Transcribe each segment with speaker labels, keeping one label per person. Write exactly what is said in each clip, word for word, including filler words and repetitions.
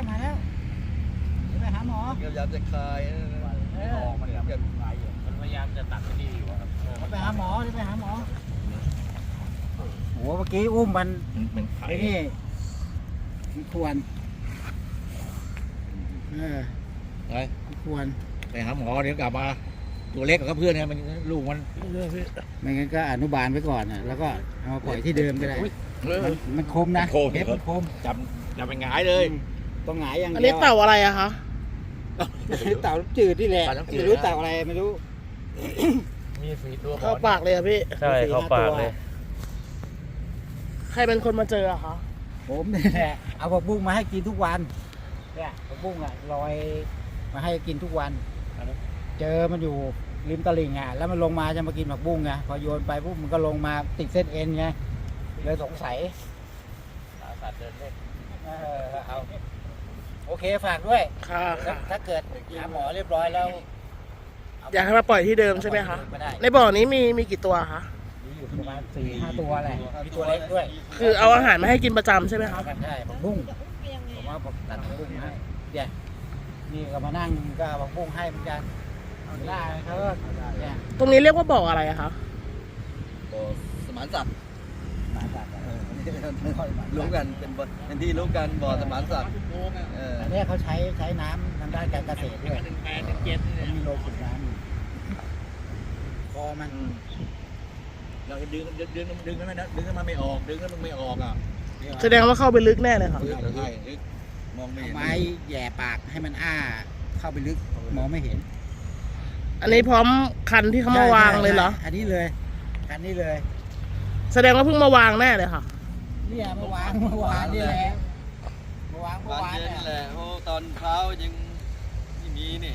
Speaker 1: มาแล้วจะไปหาหมอ
Speaker 2: พยายามจะคลายออกมันแบบคลายอยู่มันพยายามจะตัดที่นี่อยู่ครับ
Speaker 1: ไปหาหมอจะไปหาหมอโอ้เมื่อกี้อุ้มมันไอ้นี่ควรเออ
Speaker 2: ไป
Speaker 1: ควร
Speaker 2: ไปหาหมอเดี๋ยวกลับมาตัวเล็กกับเพื่อนเนี่ยมันลูกมัน
Speaker 1: ไม่งั้นก็อนุบาลไว้ก่อนนะแล้วก็เอาปล่อยที่เดิมก็ได้มันคมนะ
Speaker 2: เทปมันคมจับจับเป็นหงายเลย
Speaker 1: ต้องหงายอย่างเดียว
Speaker 3: อันนี้เต่าอะไรอะคะ
Speaker 1: เต่าจืดนี่แหละไม่รู้เต่าอะไรไม่รู้
Speaker 2: มีสีตัว
Speaker 3: เข้าปากเลยอะพี่
Speaker 4: ใช่เข้าปากเลย
Speaker 3: ใครเป็นคนมาเจออะคะ
Speaker 1: ผมนี่แหละเอาผักบุ้งมาให้กินทุกวันเนี่ยผักบุ้งอะลอยมาให้กินทุกวันเจอมันอยู่ริมตลิ่งอ่ะแล้วมันลงมาจะมากินผักบุ้งไงพอโยนไปปุ๊บมันก็ลงมาติดเส้นเอ็นไงเลยสงสัย
Speaker 2: สัตว์เดินเล่น
Speaker 1: เออเอาโอเคฝากด้วย
Speaker 3: ค่ะ
Speaker 1: ถ้าเกิดหาหมอเรียบร้อยแล้ว
Speaker 3: อยากให้มาปล่อยที่เดิมใช่ไหมคะในบ่อนี้มีมีกี่ตัวคะ
Speaker 1: มีอยู่ประมาณสี่ห้าตัวแหละมีตัวเล็กด้วย
Speaker 3: คือเอาอาหารมาให้กินประจำใช่ไหมคะ
Speaker 1: ใช่ผักบุ้งผมว่าผมตัดผักบุ้งให้เนี่ยนี่ก็มานั่งก็ผักบุ้งให้เหมือนกันได้เขาเนี่ย
Speaker 3: ตรงนี้เรียกว่าบ่ออะไรอะคะ
Speaker 2: บ่อสมานสัตว์รู้กันเป็นเป็นที่รู้กันบ่อสมานสัตว์
Speaker 1: อันนี้เขาใช้ใช้น้ำทางด้านการเกษตรด้วยมีโลขุดน้ำคอมัน
Speaker 2: เราดึงดึงดึงดึงกันไม่ดึงกันมาไม่ออกดึงกันไม่ออกอ่ะ
Speaker 3: แสดงว่าเข้าไปลึกแน่เลยค่ะ
Speaker 2: ใช่ลึกมองไม่เห็น
Speaker 1: ไม้แย่ปากให้มันอ้าเข้าไปลึกมองไม่เห็น
Speaker 3: อันนี้พร้อมคันที่เขามาวางเลยเหรอ
Speaker 1: อันนี้เลยคันนี้เลย
Speaker 3: แสดงว่าเพิ่งมาวางแน่เลยค่ะ
Speaker 1: เนี่ยมาวางเมื่อวานนี่แหละมาวางเมื่อวาน
Speaker 2: นี่แหละโอ้ตอนเช้ายังไม่มีนี่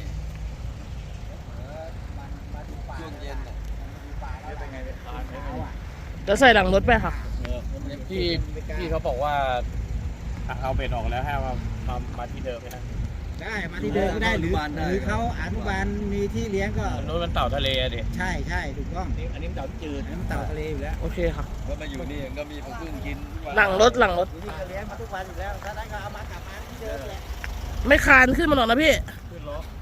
Speaker 2: ช่วงเย็นเป็นไงเป็นทาน
Speaker 3: จะใส่หลังรถไปค่ะ
Speaker 4: พี่พี่เขาบอกว่าเอาเบ็ดออกแล้วให้มามามาที่เดิมนะ
Speaker 1: ได้มาที่เดิมก็ได้หรือหรือเขาอนุบาลมีที่เลี้ยงก็
Speaker 4: โน้นมันเต่าทะเลดิ
Speaker 1: ใช่ใช่ถูกต้อง
Speaker 2: อันนี้มันเต่าจืด
Speaker 1: อันนี้มันเต่าทะเลอยู่แล้ว
Speaker 3: โอเคค่ะ
Speaker 2: ก็มาอยู่นี่ก็มีผักบุ้งกิน
Speaker 3: หลังรถหลังรถ
Speaker 1: นี่ก็เลี้ยงมาทุกวันอยู่แล้วถ้าได้ก็เอามากลับมาที่เดิมแหละ
Speaker 3: ไม่คานขึ้นมาหรอกนะพี่
Speaker 2: ขึ้นรถ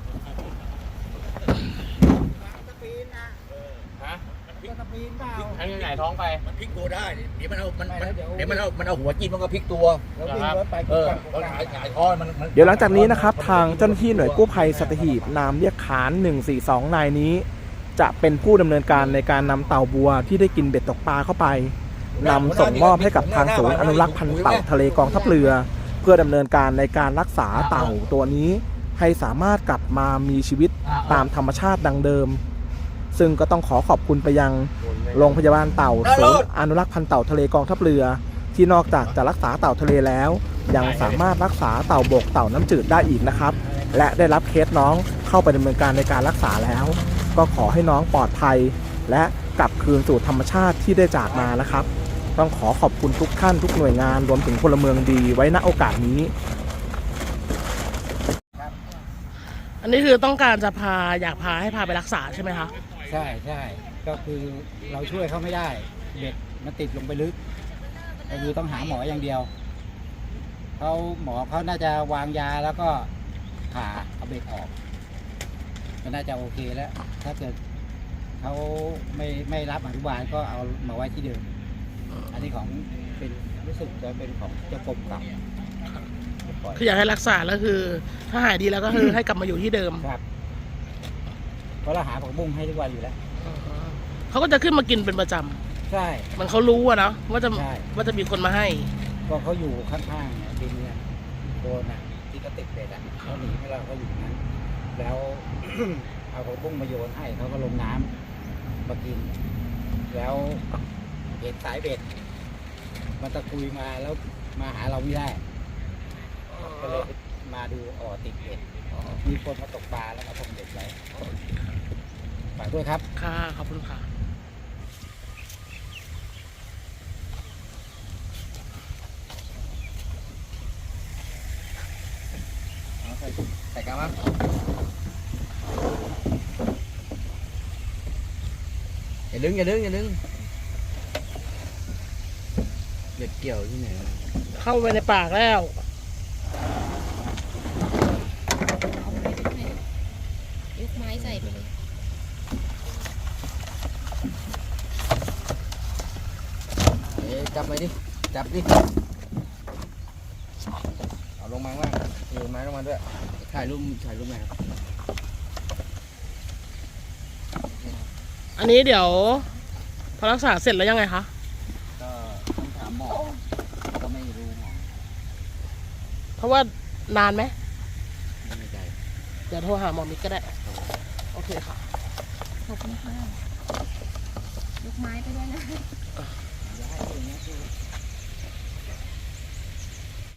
Speaker 1: ตะปีนนะ
Speaker 4: ฮะ
Speaker 1: ตะปีนเปล่า
Speaker 4: ให้ยังไงท้องไป
Speaker 2: มันพลิกตัวได้เดี๋ยวมันเอามันเดี๋ยวมันเอามันเอาหัวจิ้มมันก็พลิกตัวเออเราหงายหงายท้อนมัน
Speaker 5: เดี๋ยวหลังจากนี้นะครับทางเจ้าหน้าที่หน่วยกู้ภัยสัตหีบนามเรียกขานหนึ่งสี่สองนายนี้จะเป็นผู้ดำเนินการในการนำเต่าบัวที่ได้กินเบ็ดตกปลาเข้าไปนำส่งมอบให้กับทางศูนย์อนุรักษ์พันธุ์เต่าทะเลกองทัพเรือเพื่อดำเนินการในการรักษาเต่าตัวนี้ให้สามารถกลับมามีชีวิตตามธรรมชาติดังเดิมซึ่งก็ต้องขอขอบคุณไปยังโรงพยาบาลเต่าศูนย์อนุรักษ์พันธุ์เต่าทะเลกองทัพเรือที่นอกจากจะรักษาเต่าทะเลแล้วยังสามารถรักษาเต่าบกเต่าน้ำจืดได้อีกนะครับและได้รับเคสน้องเข้าไปดำเนินการในการรักษาแล้วก็ขอให้น้องปลอดภัยและกลับคืนสู่ธรรมชาติที่ได้จากมานะครับต้องขอขอบคุณทุกท่านทุกหน่วยงานรวมถึงพลเมืองดีไว้ณโอกาสนี้
Speaker 3: อันนี้คือต้องการจะพาอยากพาให้พาไปรักษาใช่ไหมคะ
Speaker 1: ใช่ใช่ก็คือเราช่วยเขาไม่ได้เบ็ดมันติดลงไปลึกก็คือต้องหาหมออย่างเดียวเขาหมอเขาน่าจะวางยาแล้วก็ผ่าเอาเบ็ดออกก็น่าจะโอเคแล้วถ้าเกิดเขาไม่ไม่รับอนุบาลก็เอามาไว้ที่เดิมอันนี้ของเป็นรู้สึกจะเป็นของเจ้ากรมกับ
Speaker 3: คืออยากให้รักษาแล้วคือถ้าหายดีแล้วก็คือให้กลับมาอยู่ที่เดิม
Speaker 1: ครับเพราะเราหาผักบุ้งให้ทุกวันอยู่แล้ว
Speaker 3: เขาก็จะขึ้นมากินเป็นประจ
Speaker 1: ำใช่
Speaker 3: มันเขารู้อะเนาะว่าจะว่าจะมีคนมาให้
Speaker 1: ก็เขาอยู่ข้างๆเนี่ยดินเนี่ยโดนอ่ะที่ก็ติดเบ็ดอ่ะเขาหนีให้เราก็อยู่นั้นแล้ว เอาผักบุ้งมาโยนให้เขาก็ลงน้ำมากินแล้วเห็นสายเบ็ดมันตะกุยมาแล้วมาหาเราไม่ได้ก็เลยมาดูอ๋อติดเบ็ดมีคนมาตกปลาแล้วมาทำเบ็ดไว้ฝากด้วยครับ
Speaker 3: ค่ะขอบคุณค่ะ
Speaker 2: ใส่กระมังอย่าดึงอย่าดึงอย่าดึงเบ็ดเกี่ยวที่ไหน
Speaker 3: เข้าไปในปากแล้ว
Speaker 2: จับไปดิจับดิเอาลงมาว่างถือไม้ลงมาด้วยถ่ายรูปถ่ายรูปไหนครับ
Speaker 3: อันนี้เดี๋ยวพอรักษาเสร็จแล้วยังไงคะ
Speaker 2: ก็ต้องถามหมอก็ไม่รู้หมอ
Speaker 3: เพราะว่านานไหม
Speaker 2: ไม่แน่ใจ
Speaker 3: เดี๋ยวโทรหาหมอมิกก็ได้ โอเคค่ะ
Speaker 6: ขอบคุณค่ะยกไม้ไปด้วยนะ
Speaker 2: อย่าให้อย่างเงี้ยคือ